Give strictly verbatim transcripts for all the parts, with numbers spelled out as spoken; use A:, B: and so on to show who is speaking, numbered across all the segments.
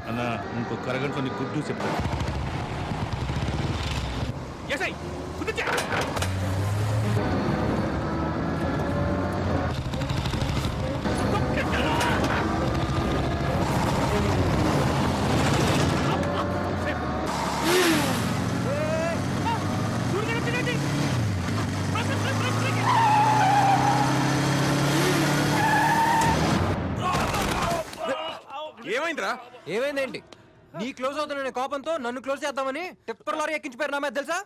A: అన్న ఇంకొక అరగంటలో నీకు గుడ్ న్యూస్ చెప్తాను. ఎస్ఐ కుదిర్చా.
B: ఏమైందిరా?
C: ఏమైందేంటి? నీ క్లోజ్ అవుతున్న కోపంతో నన్ను క్లోజ్ చేద్దామని టిప్పర్ లారీ ఎక్కించిపోయారు నా మీద తెలుసా?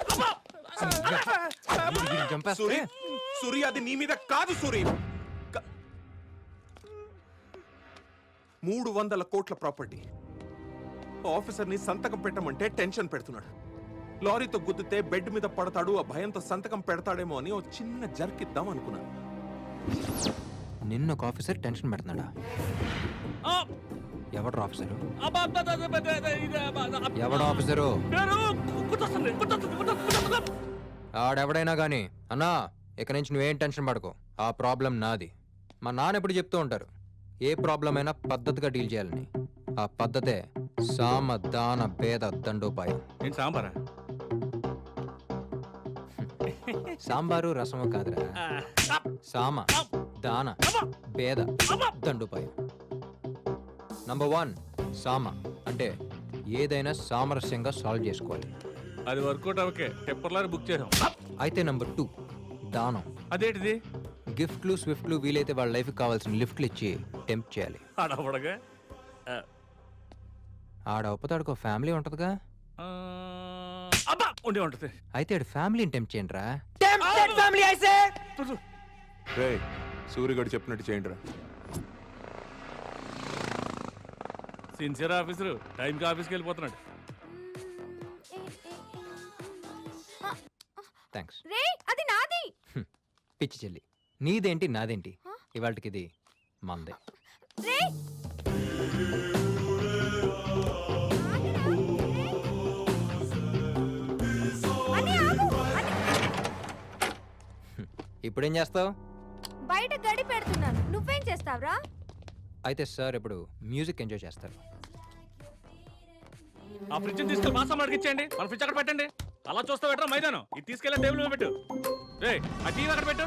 B: సూరి, సూరి అది నీ మీద కాదు సూరి. క- మూడు వందల కోట్ల ప్రాపర్టీ ఆఫీసర్ ని సంతకం పెట్టమంటే టెన్షన్ పెడుతున్నాడు. లారీతో గుద్దితే బెడ్ మీద పడతాడు, ఆ భయంతో సంతకం పెడతాడేమో అని ఓ చిన్న జర్కిద్దాం అనుకున్నాను.
C: నిన్న ఒక ఆఫీసర్ టెన్షన్ పెడుతున్నాడా? ఎవడు ఆఫీసరు? ఎవడు ఆఫీసరు? ఆడెవడైనా గానీ అన్నా ఇక నుంచి నువ్వేం టెన్షన్ పడకు. ఆ ప్రాబ్లం నాది. మా నాన్న ఎప్పుడు చెప్తూ ఉంటారు, ఏ ప్రాబ్లం అయినా పద్ధతిగా డీల్ చేయాలని. ఆ పద్ధతే సామ దాన భేద దండోపాయం.
A: నేను సాంబారా?
C: సాంబారు రసము కాదురా, సామ దాన భేద దండోపాయం. నంబర్ వన్ సామ అంటే ఏదైనా సామరస్యంగా సాల్వ్ చేసుకోవాలి.
A: అది వర్కౌట్ అవకే టెప్పర్లారీ బుక్ చేసాం.
C: అయితే నంబర్ టూ దానం.
A: అదేంటిది?
C: గిఫ్ట్లు స్విఫ్ట్లు వీలైతే వాళ్ళ లైఫ్కి కావాల్సిన లిఫ్ట్లు ఇచ్చి టెంప్ట్ చేయాలి.
A: ఆడవడగా
C: ఆడ ఒప్పతాడుకో ఫ్యామిలీ ఉంటుందిగా.
A: ఉండే ఉంటుంది.
C: అయితే ఆడు ఫ్యామిలీని టెంప్ట్ చేయండి రా.
B: రే సూరిగడు చెప్పినట్టు చేయండి రా.
A: సిన్సియర్ ఆఫీసరు టైంకి ఆఫీస్కి వెళ్ళిపోతున్నాడు.
C: థ్యాంక్స్.
D: రే అది నాది.
C: పిచ్చి చెల్లి, నీదేంటి నాదేంటి, ఇవాళకి ఇది మందే.
D: రే అని ఆగు. అని
C: ఇప్పుడేం చేస్తావు?
D: బయట గడి పెడుతున్నాను. నువ్వేం చేస్తావురా?
C: అయితే సార్ ఇప్పుడు మ్యూజిక్ ఎంజాయ్ చేస్తారు.
A: ఆ ఫ్రిడ్జ్ తీసుకెళ్ళి మా సామాన్ అడిగించండి. మన ఫ్రిడ్జ్ అక్కడ పెట్టండి. అలా చూస్తా పెట్టరా మైదానం. ఇది తీసుకెళ్ళి టేబుల్ మీద పెట్టు. రే ఆ టీవీ అక్కడ పెట్టు.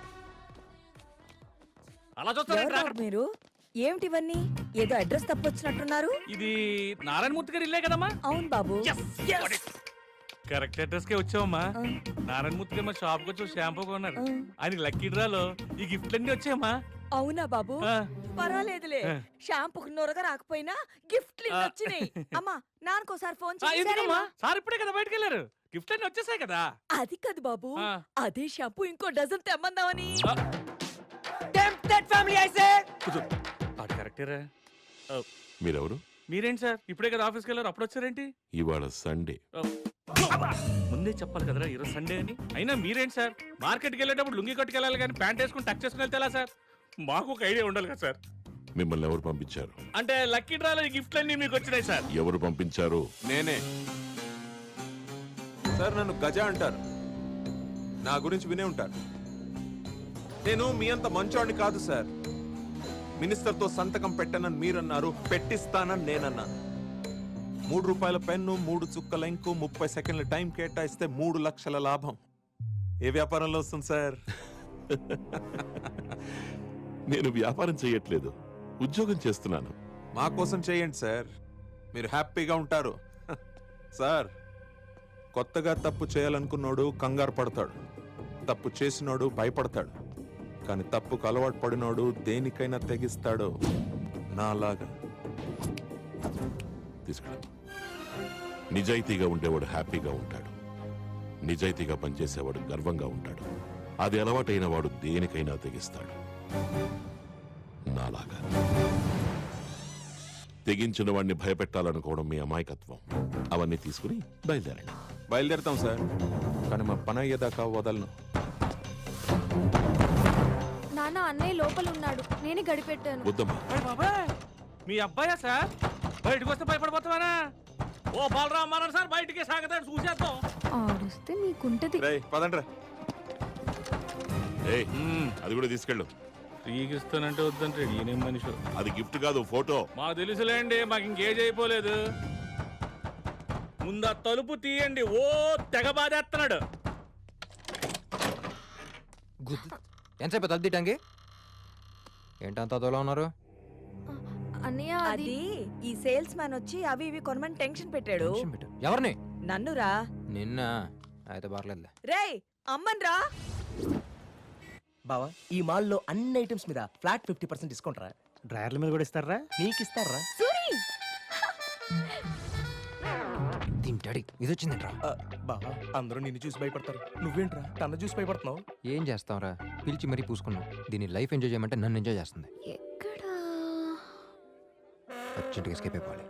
A: అలా చూస్తా.
E: మీరు ఏమిటి ఇవన్నీ? ఏదో అడ్రస్ తప్పొచ్చినట్టున్నారు.
A: ఇది నారాయణమూర్తి గారి ఇల్లే కదమ్మా?
E: అవును బాబు.
A: కరెక్ట్ అడ్రస్ కే వచ్చావమ్మా. నారాయణమూర్తి గారు మా షాప్ కి వచ్చి షాంపూ కొన్నారు. ఆయనకి లక్కీ డ్రాలో ఈ గిఫ్ట్లు అన్ని వచ్చాయమ్మా.
E: అవునా బాబు? పర్వాలేదులే, షాంపూకి నొరగ రాకపోయినా గిఫ్ట్లు వచ్చినాయి. అమ్మా నాన్నకోసారి ఫోన్ చేసి.
A: సార్ ఇప్పుడే కదా బయటకు వెళ్ళారు. గిఫ్ట్ అన్ని వచ్చేసాయి కదా.
E: అది కాదు బాబు, అదే షాంపూ ఇంకో డజన్ తెమ్మందామని.
A: కరెక్టేరా.
F: మీరెవరు?
A: మీరేంటి సార్ ఇప్పుడే కదా ఆఫీస్కి వెళ్ళారు, అప్పుడు వచ్చారేంటి?
F: ఇవాళ సండే.
A: ముందే చెప్పాలి కదరా ఈరోజు సండే అని. అయినా మీరేంటి సార్ మార్కెట్కి వెళ్ళేటప్పుడు లుంగి కట్టుకెళ్ళాలి కానీ ప్యాంట్ వేసుకుని టక్ చేసుకుని వెళ్తే సార్? మాకు ఒక ఐడియా ఉండాలి కదా సార్.
F: మిమ్మల్ని ఎవరు పంపించారు?
A: అంటే లక్కీ డ్రాలో ఈ గిఫ్ట్లు అన్ని మీకు వచ్చినాయి సార్.
F: ఎవరు పంపించారు?
B: నేనే సార్. నన్ను గజ అంటారు. నా గురించి వినే ఉంటారు. నేను మీ అంత మంచోడిని కాదు సార్. మినిస్టర్తో సంతకం పెట్టనని మీరన్నారు, పెట్టిస్తానని నేనన్నాను. మూడు రూపాయల పెన్ను, మూడు చుక్కల ఇంకు, ముప్పై సెకండ్ల టైం కేటాయిస్తే మూడు లక్షల లాభం. ఏ వ్యాపారంలో వస్తుంది సార్?
F: నేను వ్యాపారం చేయట్లేదు, ఉద్యోగం చేస్తున్నాను.
B: మా కోసం చేయండి సార్, మీరు హ్యాపీగా ఉంటారు. సార్ కొత్తగా తప్పు చేయాలనుకున్నాడు కంగారు పడతాడు, తప్పు చేసినోడు భయపడతాడు. కానీ తప్పుకు అలవాటు పడినోడు దేనికైనా తెగిస్తాడు నాలాగా.
F: తీసుకురా. నిజాయితీగా ఉండేవాడు హ్యాపీగా ఉంటాడు, నిజాయితీగా పనిచేసేవాడు గర్వంగా ఉంటాడు. అది అలవాటైన వాడు దేనికైనా తెగిస్తాడు నాలాగా. తెగించిన వాడిని భయపెట్టాలనుకోవడం మీ అమాయకత్వం. అవన్నీ తీసుకుని బయలుదేరండి.
B: బయలుదేరుతాం సార్, కానీ మా పని అయ్యేదాకా వదలను.
D: నాన్న అన్నయ్య లోపల ఉన్నాడు, నేనే గడిపెట్టాను.
F: వద్దమ్మా.
A: బాబాయ్ మీ అబ్బాయా సార్? బయటకు వస్తే భయపడిపోతావానా? ఓ బాలరామ్ మన సార్ బయటికి సాగతాడు, చూసేస్తాం.
D: ఆడిస్తే నీకుంటది.
B: రేయ్ పదండ్రా.
F: ఏయ్, అది కూడా తీసుకెళ్ళు.
A: ఫ్రీకి ఇస్తానంటే వద్దంటే ఈయనేం మనిషి.
F: అది గిఫ్ట్ కాదు, ఫోటో.
A: మాకు తెలుసులేండి, మాకు ఇంకేజ్ అయిపోలేదు. ముందు ఆ తలుపు తీయండి. ఓ తెగ బాధేస్తున్నాడు.
C: గుద్దు ఎంతసేపు తలుపు తీయటానికి? ఏంటంత అదోలా ఉన్నారు?
D: అన్నయ్య అది
E: అది ఈ సేల్స్ మ్యాన్ వచ్చి అవి ఇవి కొనమని టెన్షన్ పెట్టాడు.
C: టెన్షన్ పెట్టు. ఎవరిని?
E: నన్నురా.
C: నిన్న అయితే పర్లేదులే.
E: రేయ్ అమ్మన్ రా.
G: బావా ఈ మాల్లో అన్ని ఐటమ్స్ మీద ఫ్లాట్ ఫిఫ్టీ పర్సెంట్ డిస్కౌంట్ రా.
H: డ్రైవర్ల మీద కూడా ఇస్తారా?
G: నీకు ఇస్తారా?
E: సూరి
C: దీని డాడీ ఇది వచ్చిందంట్రా.
G: ఆ, బావా అందరూ నిన్ను చూసి భయపడతారు, నువ్వేంట్రా తన చూసి భయపడుతున్నావు?
C: ఏం చేస్తావురా, పిలిచి మరీ పూసుకున్నావు. దీన్ని లైఫ్ ఎంజాయ్ చేయమంటే నన్ను ఎంజాయ్ చేస్తుంది.
D: ఎక్కడా
C: అర్జెంట్గా ఎస్కేప్ అయిపోవాలి.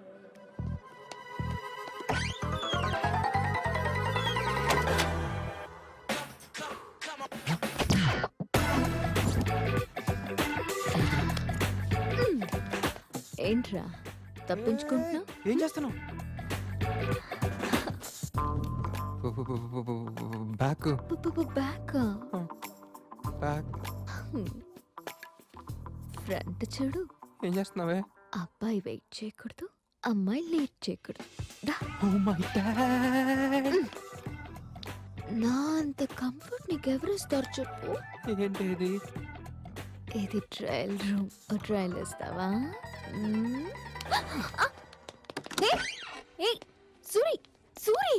D: ఏంట్రా తప్పించుకుంటున్నా?
C: ఏం చేస్తున్నావు? బ్యాక్
D: బ్యాక్
C: బ్యాక్
D: ఫ్రంట్ చూడు.
C: ఏం చేస్తున్నావే?
D: అబ్బాయి వెయిట్ చేయకూడదు, అమ్మాయి లేట్ చేయకూడదు. డా. నా అంత కంఫర్ట్ నీకెవరు ఇస్తారు చెప్పు?
C: ఏంటి ఇది?
D: ఇది ట్రయల్ రూమ్. ట్రయల్ ఇస్తావా? మ్మ్. ఆ! ఏయ్! ఏయ్! Suri Suri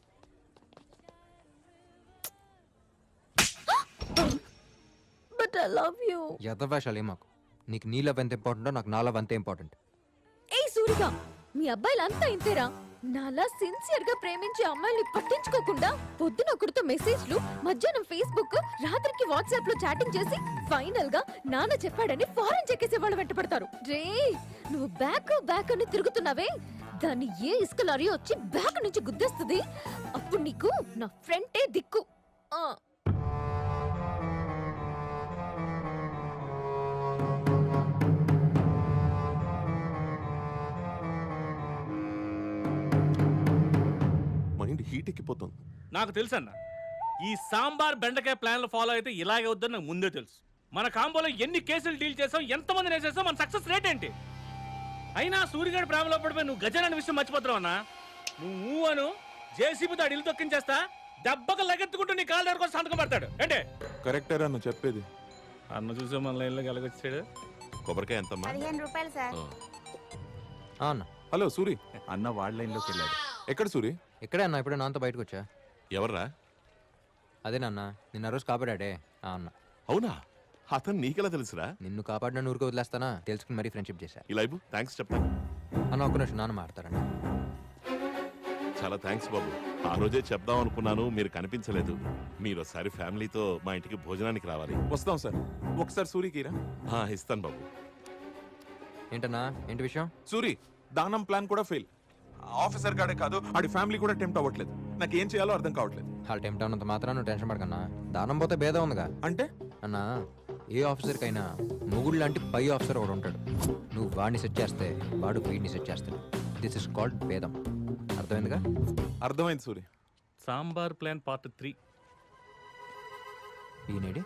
D: but I love you.
C: యథవేషాలు మాకు. నీకు నీ లవ్ ఎంత ఇంపార్టెంటో నాకు నా లవ్ అంతే ఇంపార్టెంట్.
D: ఏయ్ సూరిగా, మీ అబ్బాయిలంతా ఇంతేరా? నాలా సిన్సియర్ గా ప్రేమించే అమ్మాయిని పట్టించుకోకుండా పొద్దున ఒకరితో మెసేజ్లు, మధ్యాహ్నం ఫేస్బుక్, రాత్రికి వాట్సాప్ లో చాటింగ్ చేసి ఫైనల్ గా నాన్న చెప్పాడని ఫారెన్ చెక్కేసే వాళ్ళు వెంటపడతారు. రే నువ్వు బ్యాక్ బ్యాక్ అని తిరుగుతున్నావే, దాన్ని ఏ ఇసుక లారీ వచ్చి బ్యాక్ నుంచి గుద్దేస్తుంది. అప్పుడు నీకు నా ఫ్రెండే దిక్కు. ఆ
B: మైండ్ హీట్ ఎక్కిపోతుంది.
A: నాకు తెలుసు అన్న, ఈ సాంబార్ బెండకాయ ప్లాన్లు ఫాలో అయితే ఇలాగే వద్దని నాకు ముందే తెలుసు. మన కాంబోలో ఎన్ని కేసులు డీల్ చేసాం, ఎంతమంది వేసేసాం, మన సక్సెస్ రేట్ ఏంటి? అయినా సూర్యగాడి ప్రేమలో పడిపోయి నువ్వు గజన్ అనే విషయం మర్చిపోతున్నావు అన్నా. నువ్వు అను జేసీబీతో అడిలు తొక్కించేస్తా, దెబ్బకు లగెత్తుకుంటూ నీ కాళ్ళ దగ్గర సంతకం పడతాడు. అంటే
B: కరెక్టేరా నువ్వు చెప్పేది.
A: అన్న చూసే మన లైన్లో కలగొచ్చాడు.
F: కొబ్బరికాయ ఎంతమ్మా?
D: పదిహేను రూపాయలు సార్.
F: ఆ.
C: ఆ అన్న
B: హలో సూరి.
I: అన్న వాళ్ళ లైన్లోకి వెళ్ళాడు.
B: ఎక్కడ సూరి?
C: ఇక్కడే అన్న, ఇప్పుడే నాన్నతో బయటకు వచ్చా.
F: ఎవర్రా?
C: అదే నాన్న నిన్న రోజు కాపాడాడే ఆ అన్న.
F: అవునా? అతను నీకెలా తెలుసురా?
C: నిన్ను కాపాడిన ఊరికి వదిలేస్తానా తెలుసుకుని మరీ ఫ్రెండ్షిప్ చేశా.
F: ఇలా ఇవ్వు, థ్యాంక్స్ చెప్తాను.
C: అన్న ఒక్క నిమిషం, నాన్న మాడతారండి.
F: చాలా థ్యాంక్స్ బాబు. ఆ రోజే చెప్దాం అనుకున్నాను, మీరు కనిపించలేదు. మీరు ఒకసారి ఫ్యామిలీతో మా ఇంటికి భోజనానికి రావాలి.
B: వస్తాం సార్. ఒకసారి సూరికి రా.
F: ఆ, ఇస్తాను బాబు.
C: ఏంటన్నా ఏంటి విషయం?
B: సూరి, దానం ప్లాన్ కూడా ఫెయిల్. ఆఫీసర్ గాడే కాదు, ఆడి ఫ్యామిలీ కూడా టెంప్ట్ అవ్వట్లేదు. నాకు ఏం చేయాలో అర్థం కావట్లేదు.
C: వాళ్ళ టైం టౌన్ అంత మాత్రం నువ్వు టెన్షన్ పడకన్నా. దానం పోతే భేదం ఉందిగా.
B: అంటే
C: అన్నా ఏ ఆఫీసర్కైనా మొగుడు లాంటి పై ఆఫీసర్ ఒకడు ఉంటాడు. నువ్వు వాడిని సెట్ చేస్తే వాడు వీడిని సెట్ చేస్తాడు. దిస్ ఇస్ కాల్డ్ భేదం. అర్థమైందిగా?
B: అర్థమైంది Suri.
A: Sambar plan part three.
C: ఈయనేడి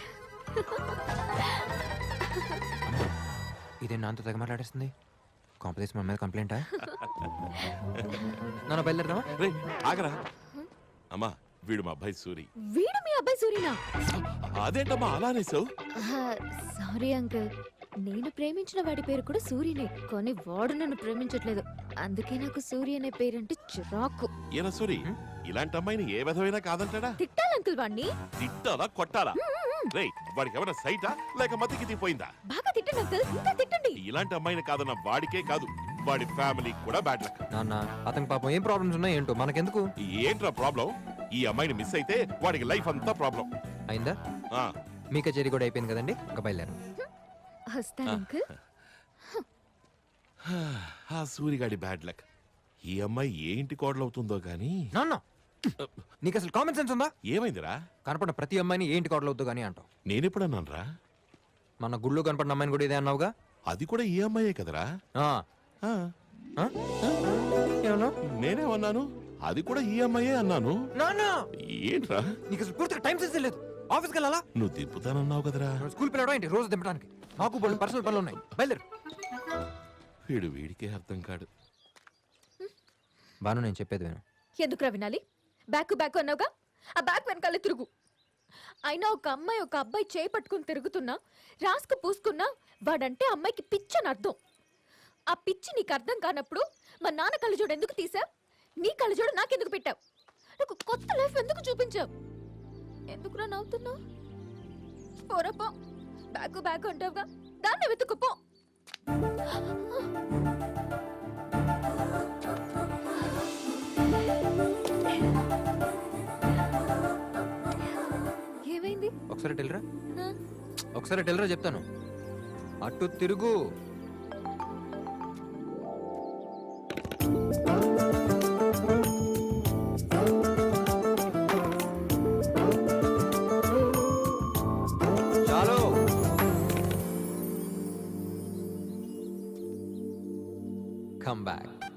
C: ఇదే నాతో తెగ మాట్లాడేస్తుంది. కాంపిటీషన్ మన మీద కంప్లైంటా? నన్ను బయలుదేరదామా?
F: రే ఆగరా. అమ్మా వీడు మా అబ్బాయి సూరి.
D: వీడు మీ అబ్బాయి సూరినా?
F: అదేంటమ్మా అలా అనేసావు?
D: సారీ అంకుల్, నేను ప్రేమించిన వాడి పేరు కూడా సూర్యనే, కానీ వాడు నన్ను ప్రేమించట్లేదు. అందుకే నాకు సూర్య అనే పేరంటే చిరాకు.
F: ఏనా సూరి, ఇలాంటి అమ్మాయిని ఏ విధమైనా కాదంటాడా?
D: తిట్టాలి అంకుల్ వాడిని.
F: తిట్టాలా కొట్టాలా? రే వాడికి ఎవరైనా సైటా లేక మతికి తీపోయిందా?
D: బాగా తిట్టండి అంకుల్, ఇంకా తిట్టండి.
F: ఇలాంటి అమ్మాయిని కాదన్న వాడికే కాదు, వాడి ఫ్యామిలీ కూడా బ్యాడ్ లక్.
C: నాన్న అతనికి పాపం ఏం ప్రాబ్లమ్స్ ఉన్నాయి ఏంటో మనకెందుకు?
F: ఏంట్రా ప్రాబ్లం? ఈ అమ్మాయిని మిస్ అయితే వాడికి లైఫ్ అంతా ప్రాబ్లం.
C: అయిందా?
F: ఆ
C: మీ కచేరీ కూడా అయిపోయింది కదండి, ఇంకా బయలుదేరు.
D: వస్తాను అంకుల్.
F: ఆ సూరిగాడి బ్యాడ్ లక్. ఈ అమ్మాయి ఏ ఇంటి కోడలవుతుందో గాని.
C: నాన్న నీకు అసలు కామన్ సెన్స్ ఉందా?
F: ఏమైందిరా?
C: కనపడిన ప్రతి అమ్మాయిని ఏంటి కోడలవుద్దు కానీ అంటావు.
F: నేనెప్పుడన్నానరా?
C: మన గుళ్ళో కనపడిన అమ్మాయిని కూడా ఇదే అన్నావుగా.
F: అది కూడా ఈ అమ్మాయే కదరా?
C: ఆ,
F: ఆ,
C: ఆ? ఏమన్నా?
F: నేనేమన్నాను? అది కూడా ఈ అమ్మాయే అన్నాను.
C: నాన్న
F: ఏంట్రా?
C: నీకు అసలు పూర్తిగా టైం సెన్స్ లేదు. ఆఫీస్కి వెళ్ళాలా
F: నువ్వు తిప్పుతానన్నావు కదరా
C: స్కూల్ పిల్లడం ఏంటి రోజు దింపడానికి నాకు బోల్డ్ పర్సనల్ పనులు ఉన్నాయి బయలుదేరు
F: వీడు వీడికే అర్థం కాడు.
C: బాను నేను చెప్పేది విను.
D: ఎందుకురా వినాలి? బ్యాక్ బ్యాక్ అన్నావుగా, ఆ బ్యాక్ వెనకాల తిరుగు. అయినా ఒక అమ్మాయి ఒక అబ్బాయి చేయి పట్టుకుని తిరుగుతున్నా, రాసుకు పూసుకున్నా వాడంటే అమ్మాయికి పిచ్చని అర్థం. ఆ పిచ్చి నీకు అర్థం కానప్పుడు మా నాన్న కళ్ళజోడు ఎందుకు తీసావు? నీ కళ్ళజోడు నాకెందుకు పెట్టావు? నాకు కొత్త లైఫ్ ఎందుకు చూపించావు? ఎందుకురా నవ్వుతున్నావు? పోరపో, బ్యాగ్ బ్యాగ్ అంటావుగా, దాన్ని వెతుకుపో. ఏమైంది?
C: ఒకసారి టెల్రా
D: ఆ?
C: ఒకసారి టెల్రా చెప్తాను. అటు తిరుగు. చాలు. Come back.